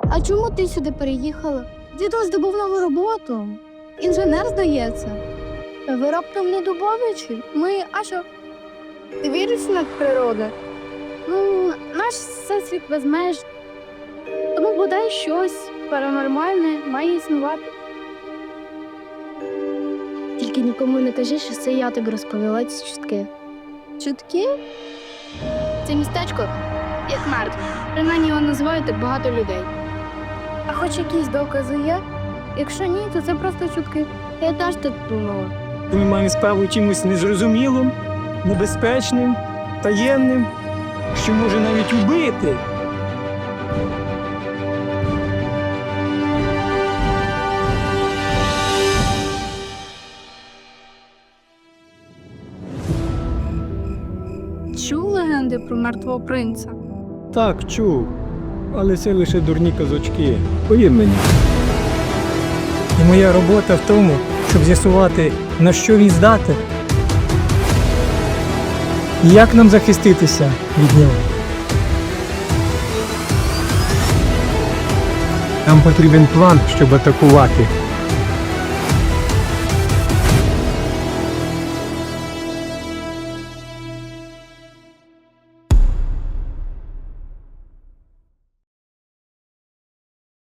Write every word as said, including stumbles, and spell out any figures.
А чому ти сюди переїхала? Дідусь здобув нову роботу. Інженер, здається. Ви раптом не дубовичі? Ми, а що? Ти віриш в надприроду? Ну, наш всесвіт без меж. Тому бодай щось паранормальне має існувати. Тільки нікому не кажи, що це я тобі розповіла ці чутки. Чутки? Це містечко як мертве. Принаймні його називають так багато людей. А хоч якісь докази є? Якщо ні, то це просто чутки. Я теж так думала. Ми маємо справу чимось незрозумілим, небезпечним, таємним, що може навіть убити. Чув легенди про мертвого принца? Так, чув. Але це лише дурні казочки. Повір мені. І моя робота в тому, щоб з'ясувати, на що він здатен. І як нам захиститися від нього. Нам потрібен план, щоб атакувати.